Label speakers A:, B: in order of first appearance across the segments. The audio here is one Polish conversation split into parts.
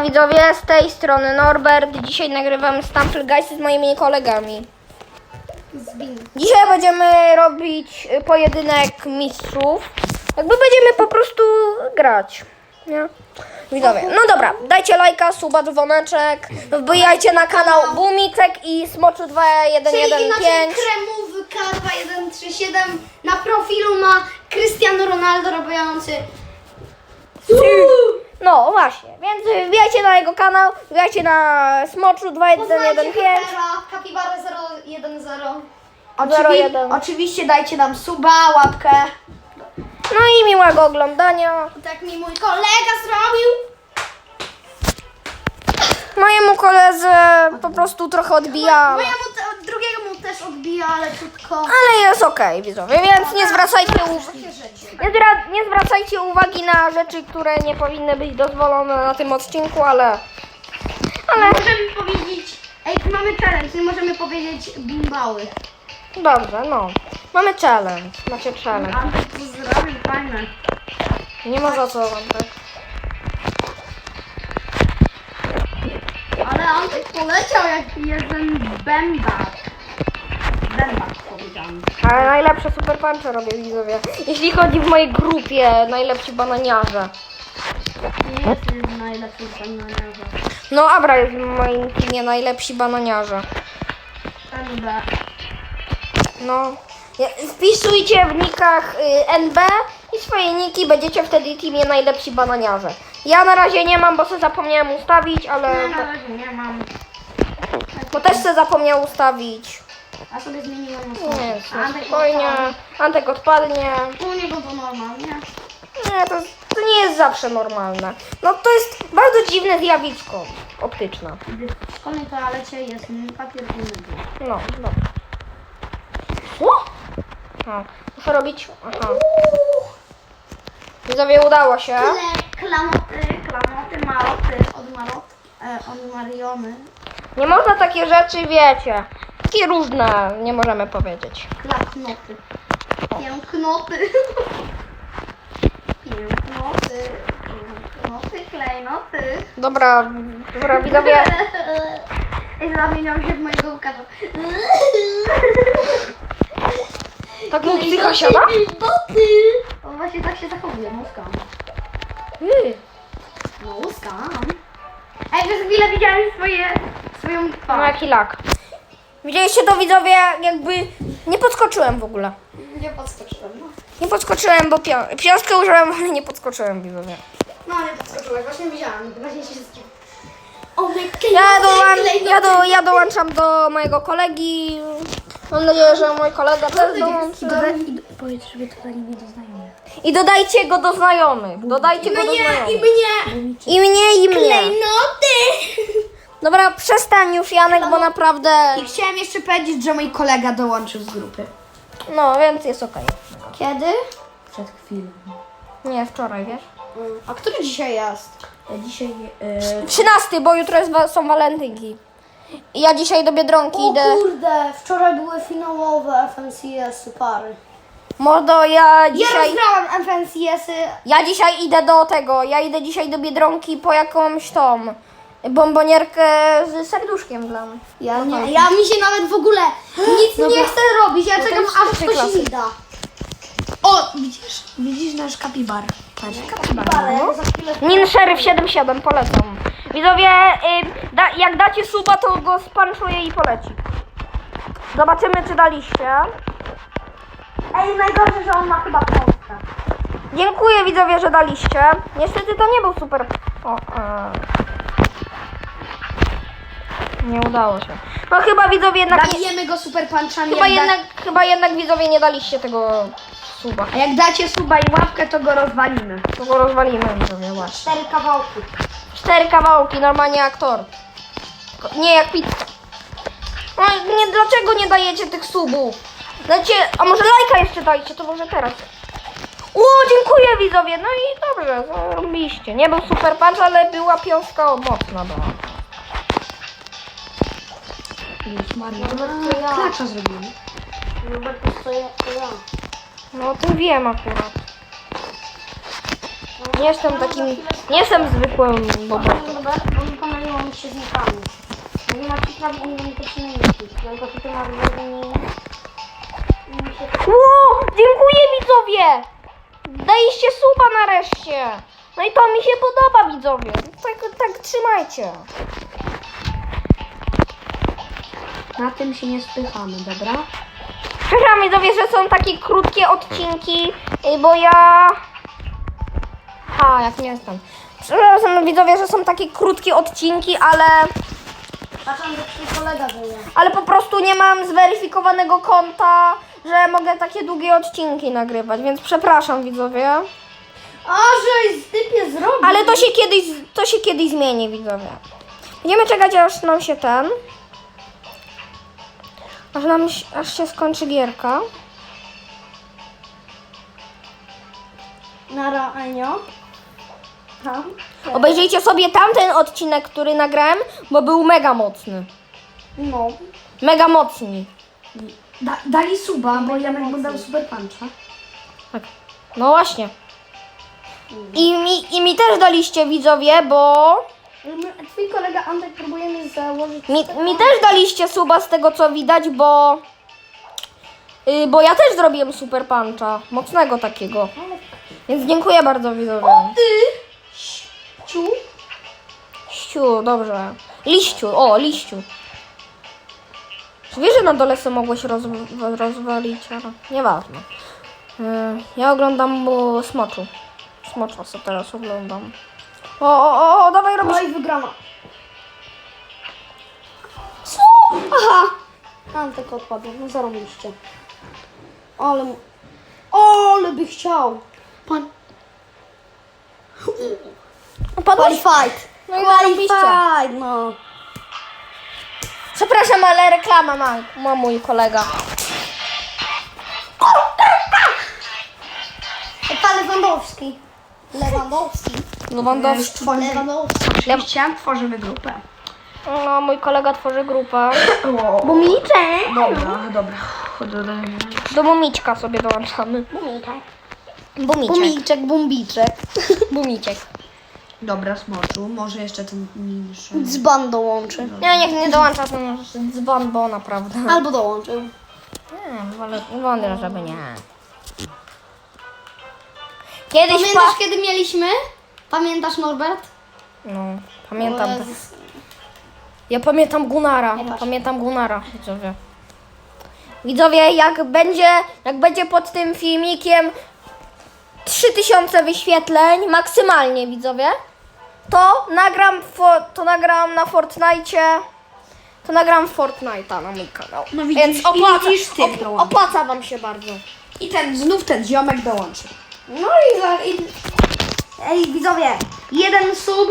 A: Widzowie, z tej strony Norbert. Dzisiaj nagrywamy Stumble Guys z moimi kolegami. Dzisiaj będziemy robić pojedynek mistrzów. Jakby będziemy po prostu grać. Nie? Widzowie, no dobra, dajcie lajka, suba, dzwoneczek. Wbijajcie na kanał Bumicek i Smoczu 2115.
B: Kremówka 2137 na profilu ma Cristiano Ronaldo robiący.
A: No właśnie, więc wbijajcie na jego kanał, wbijajcie na Smoczu 2115.
B: Kapibara 010.
A: Oczywiście
B: dajcie nam suba, łapkę.
A: No i miłego oglądania.
B: Tak mi mój kolega zrobił.
A: Mojemu koledze po prostu trochę odbija,
B: Drugiemu też odbija, ale krótko.
A: ale jest okej, widzowie, więc nie zwracajcie uwagi na rzeczy, które nie powinny być dozwolone na tym odcinku, ale
B: Możemy powiedzieć, mamy challenge, nie możemy powiedzieć bimbały.
A: dobrze, no. Mamy challenge, macie challenge.
B: Antek to zrobił, fajne.
A: Nie ma za co wam tak.
B: Ale Antek poleciał jak jeden bębak. Bębak powiedziałem.
A: Ale najlepsze super punche robię, widzowie. Jeśli chodzi w mojej grupie, najlepsi bananiarze.
B: Nie jest najlepszy bananiarza.
A: No, Abra jest w moim teamie najlepsi bananiarze.
B: NB.
A: No, wpisujcie w nikach NB i swoje niki, będziecie wtedy w teamie najlepsi bananiarze. Ja na razie nie mam, bo sobie zapomniałem ustawić, ale...
B: Ja na razie nie mam.
A: Bo też sobie zapomniał ustawić.
B: A sobie zmieniłem
A: Nie,
B: Antek
A: spokojnie. Antek odpadnie.
B: U niego to normalnie.
A: Nie, to nie jest zawsze normalne. No to jest bardzo dziwne zjawisko optyczne.
B: Gdy w szkolnej toalecie jest papier i mydło.
A: No, dobra. O! No, muszę robić... Aha. Widzowie, udało się.
B: Klamoty, maloty od Mariony.
A: Nie można takie rzeczy, wiecie. Takie różne, nie możemy powiedzieć.
B: Klapnoty. Pięknoty. Pięknoty, klejnoty.
A: Dobra, widzowie.
B: I zamieniał się w mojego Łukasza.
A: Tak mu psycha siada?
B: On właśnie tak się zachowuje, muskam. No muskam. Ej, przez chwilę widziałem swoją
A: No
B: twarz.
A: jaki lak. Widzieliście to, widzowie? Jakby nie podskoczyłem w ogóle.
B: Nie podskoczyłem.
A: Nie podskoczyłem, bo piątkę użyłem, ale nie podskoczyłem, widzowie.
B: No nie podskoczyłeś, właśnie widziałam. Właśnie się wszystkim.
A: Ja dołączam do mojego kolegi. Mam nadzieję, że mój kolega też dołączy.
B: Powiedz, żeby dodali mnie do znajomych.
A: I dodajcie go do znajomych. Dodajcie go do znajomych.
B: mnie.
A: I mnie.
B: Klejnoty.
A: Dobra, przestań już, Janek, bo naprawdę...
B: I chciałem jeszcze powiedzieć, że mój kolega dołączył z grupy.
A: No, więc jest okej.
B: Kiedy? Przed chwilą.
A: Nie, wczoraj, wiesz?
B: A który dzisiaj jest? Dzisiaj...
A: 13, bo jutro są walentynki. I ja dzisiaj do Biedronki idę.
B: kurde, wczoraj były finałowe FNCS-y pary.
A: Mordo, ja dzisiaj...
B: rozgrałam FNCS-y.
A: Ja dzisiaj idę do tego. Ja idę dzisiaj do Biedronki po jakąś tą bombonierkę z serduszkiem dla mnie.
B: Ja mi się nawet w ogóle nic nie chcę robić. Ja czekam
A: jest
B: aż
A: pierwszej
B: ktoś
A: klasy.
B: mi da. O, widzisz nasz kapibar. Patrz, kapibar.
A: Nin Sheriff 77, polecam. Widzowie, jak dacie suba, to go spanczuję i poleci. Zobaczymy, czy daliście.
B: Ej, najgorsze, że on ma chyba Polskę.
A: Dziękuję, widzowie, że daliście. Niestety to nie był super... Nie udało się. No chyba, widzowie, jednak...
B: Zabijemy go super punchami.
A: Chyba jednak, widzowie, nie daliście tego suba.
B: A jak dacie suba i łapkę, to go rozwalimy.
A: To go rozwalimy, widzowie, właśnie.
B: 4 kawałki.
A: 4 kawałki, normalnie jak tort. Nie jak pizza. No nie, dlaczego nie dajecie tych subów? Dajcie, a może lajka jeszcze dajcie, to może teraz. O, dziękuję, widzowie. No i dobrze, zarobiliście. Nie był super punch, ale była piątka mocna.
B: Klacza zrobimy.
A: No o tym wiem akurat. Nie jestem takim, nie jestem zwykłym bobotem.
B: Dobra, bo pomyliło mi się z nikami. Nie ma ci prawie identyczny niki. Tylko ty masz
A: Ło, dziękuję widzowie! Daliście suba nareszcie. No i to mi się podoba widzowie. Tak trzymajcie.
B: Na tym się nie spychamy, dobra?
A: Przepraszam widzowie, że są takie krótkie odcinki, bo ja... jak nie jestem. Przepraszam widzowie, że są takie krótkie odcinki, ale
B: Patrzam, że twój kolega żyje.
A: po prostu nie mam zweryfikowanego konta, że mogę takie długie odcinki nagrywać, więc przepraszam widzowie.
B: A, żeś typie zrobił.
A: Ale to się kiedyś zmieni widzowie. Będziemy czekać aż nam się aż się skończy gierka.
B: Nara, Enio. Tam.
A: Obejrzyjcie sobie tamten odcinek, który nagrałem, bo był mega mocny.
B: No.
A: Mega mocni.
B: Dali suba, bo Janek mu dał super puncha.
A: Tak. No właśnie. I mi też daliście widzowie, bo
B: Twój kolega Antek próbujemy założyć...
A: mi też daliście suba z tego co widać, bo ja też zrobiłem super puncha. Mocnego takiego. Więc dziękuję bardzo widzowie.
B: Ciu.
A: Ściu, dobrze. Liściu. Czy wiesz, że na dole sobie mogłeś rozwalić? Ale nieważne. Ja oglądam Smoczu. Smocza sobie teraz oglądam. Dawaj robisz.
B: Oj, wygrana. Co? Aha. Antek odpadł, no zarobiliście. Ale by chciał. Pan... Qualified.
A: No i zarobiście.
B: Qualified, no.
A: Przepraszam, ale reklama ma mój kolega.
B: Pan Lewandowski.
A: Lewandowski.
B: Oczywiście tworzymy grupę.
A: No, mój kolega tworzy grupę.
B: Bumiczek.
C: Dobra.
A: Do Bumiczka sobie dołączamy. Bumiczek. Bumiczek.
C: Dobra, Smoczu, może jeszcze ten mniejszy.
B: Dzban dołączy.
A: Niech nie dołącza ten dzwon, bo naprawdę.
B: Albo dołączył.
A: Wolę, żeby nie. Kiedyś
B: Pamiętasz kiedy mieliśmy? Pamiętasz Norbert?
A: No, pamiętam.
B: O Jezus.
A: Ja pamiętam Gunara.
B: Nie patrz.
A: Pamiętam Gunara, widzowie. Widzowie, jak będzie pod tym filmikiem 3000 wyświetleń, maksymalnie widzowie, to nagram na Fortnite. To nagram Fortnite'a na mój kanał.
C: No widzisz,
A: Więc
C: dołączy.
A: opłaca wam się bardzo.
C: I znów ten ziomek dołączy.
B: No Ej, widzowie, jeden sub,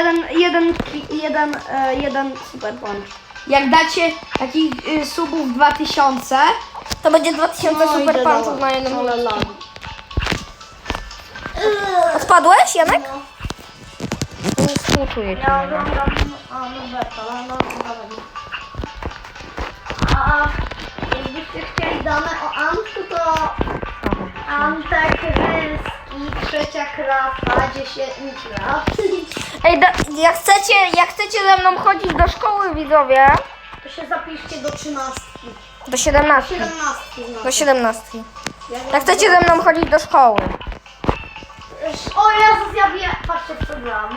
B: jeden super punch.
C: Jak dacie takich subów 2000,
A: To będzie 2000 super punchów na jednym. Odpadłeś, Janek? Współczuję ci.
B: Ja oglądam Norberta, ale no dobra. A jakbyście chcieli dane o Antku, to Antek Rylski, trzecia klasa, 10 lat.
A: Ej, jak chcecie ze mną chodzić do szkoły, widzowie,
B: To się zapiszcie do 13.
A: do 17.
B: 17
A: Do
B: znaczy.
A: 17. Jak chcecie ze mną chodzić do szkoły.
B: O Jezus, ja wiem, patrzcie co gram.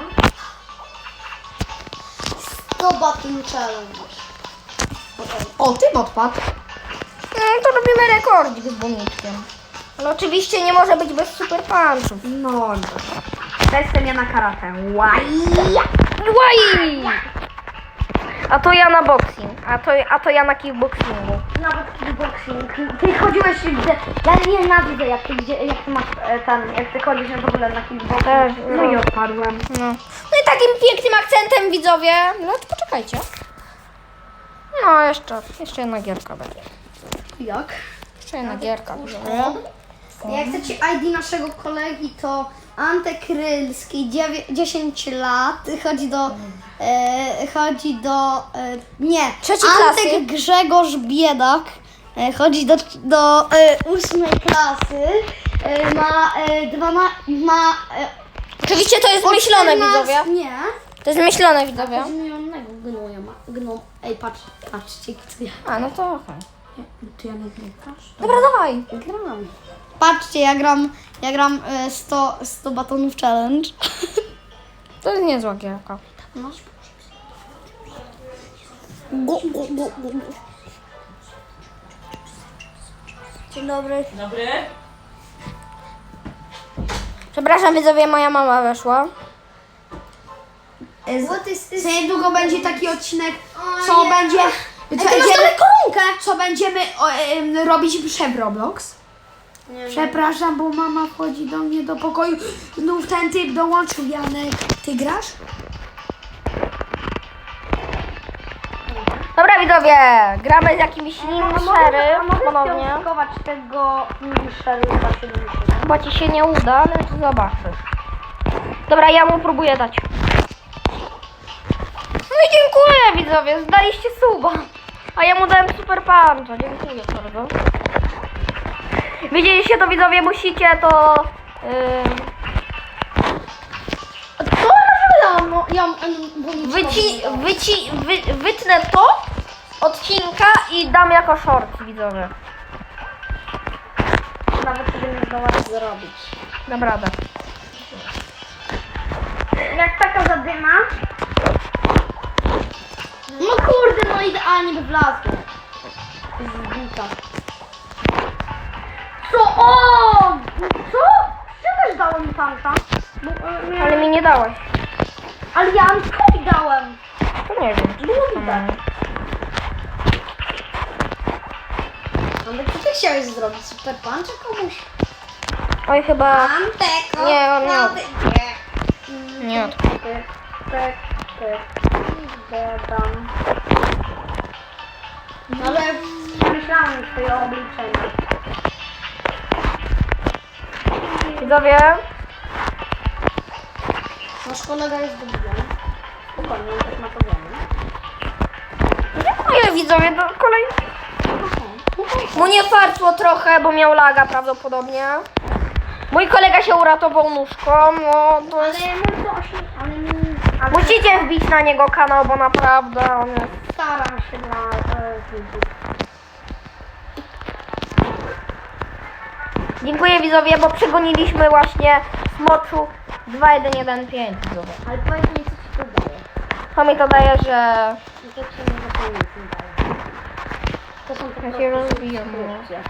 B: 100 Battle Challenge.
C: o, tym odpadł.
A: To robimy rekordzik z Bumiczkiem. Ale oczywiście nie może być bez super punchów.
C: No, testem ja na karate. Łaj.
A: Łaj! A to ja na boxing. A to ja na kickboxingu.
B: Nawet kickboxing. Ty chodziłeś gdzie... Ja nienawidzę jak ty masz jak ty chodzisz w ogóle na kickboxing.
A: Też,
C: No i odpadłem.
A: No i takim pięknym akcentem, widzowie. No to poczekajcie. No, jeszcze jedna gierka będzie.
B: Jak?
A: Jeszcze jedna gierka, widzowie.
B: Jak chcecie ID naszego kolegi, to Antek Rylski, 10 lat, chodzi do nie,
A: Trzeciej
B: Antek
A: klasy.
B: Grzegorz Biedak, chodzi do 8 klasy, ma
A: Oczywiście to jest myślone, widzowie.
B: Nie.
A: To jest myślone, widzowie.
B: Zmienionego gnoja. Ej, patrzcie, co ja
A: A, no to okej.
C: Ty ja nie grasz?
A: Dobra, dawaj.
B: gram. Patrzcie, ja gram 100 batonów challenge.
A: To jest niezła gierka.
B: No.
A: Dzień dobry.
C: Dobry.
A: Przepraszam, widzowie, moja mama weszła.
C: Za niedługo będzie taki odcinek,
B: O
C: co
B: nie.
C: będzie...
B: Ej, ty masz dalej koronkę!
C: Co będziemy robić przed Roblox?
B: Nie,
C: Przepraszam, bo mama wchodzi do mnie do pokoju. Znów ten typ dołączył, Janek. Ty grasz?
A: Dobra, widzowie, gramy z jakimś Nimsherym ponownie.
B: Chować tego Nimsheryka 70.
A: Chyba ci się nie uda, ale to zobaczysz. Dobra, ja mu próbuję dać. No i dziękuję, widzowie, zdaliście suba. A ja mu dałem super puncha, dziękuję bardzo. Widzieliście to, widzowie, musicie to... Wytnę to odcinka i dam jako short, widzowie.
B: Nawet sobie nie zdołać zrobić.
A: Dam radę.
B: Jak taka zadyma. No kurde, no idealnie by wlazło. Zbita. Co? O! Co? Ja też dałem mi tanka.
A: Ale mi nie dałaś.
B: Ale ja Ankowi dałem.
A: To nie wiem.
B: Było widać. Antek, co ty chciałeś zrobić? Super puncha komuś?
A: Oj, chyba...
B: Antek,
A: Nie, on nie od... Nie od...
B: Dodam. Ale myślałem swoje obliczenia.
A: Widzowie,
B: Nasz kolega jest dobry. Spokojnie, on tak ma to wiemy.
A: dziękuję, widzowie, do kolej. Mu nie fartło trochę, bo miał laga prawdopodobnie. Mój kolega się uratował nóżką, no to jest...
B: Ale
A: Musicie wbić na niego kanał, bo naprawdę on jest...
B: staram się na widzów.
A: Dziękuję, widzowie, bo przegoniliśmy właśnie Smoczu 2115, widzowie.
B: Ale powiedz mi, co ci to daje.
A: To mi to daje, że...
B: I to ci nie zapomnieć nie daje. To są po
A: Ja
B: prostu
A: się rozwijam, no.
B: subskrypcje.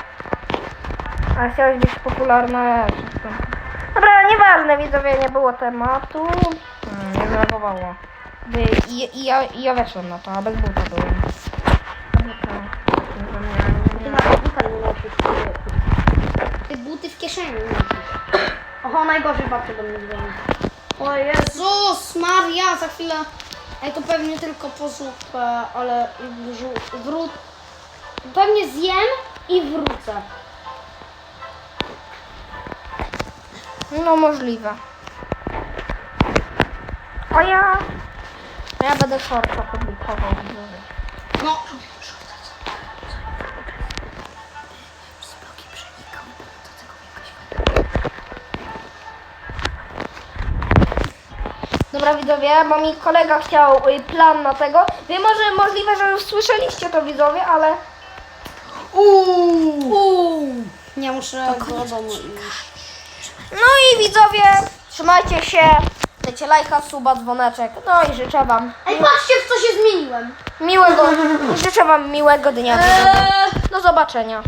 A: A chciałeś być popularna. Dobra, nieważne, widzowie, nie było tematu. Nie zreagowało. Ja weszłem na to, a bez buta byłem.
B: Ty nawet buta nie nosisz. Ty buty w kieszeni nosisz. Oho, najgorzej babcia do mnie dzwoni. O Jezus Maria, za chwilę. Ej, to pewnie tylko po zupę, ale pewnie zjem i wrócę.
A: No możliwe. A ja będę shorta publikował, widzowie.
B: No.
A: Dobra, widzowie, bo mi kolega chciał plan na tego. Wiem, może możliwe, że już słyszeliście to, widzowie, ale...
B: Nie muszę do domu iść.
A: No i widzowie, trzymajcie się, dajcie lajka, suba, dzwoneczek, no i życzę wam
B: Ej, patrzcie, w co się zmieniłem.
A: miłego, życzę wam miłego dnia, widzowie. Do zobaczenia.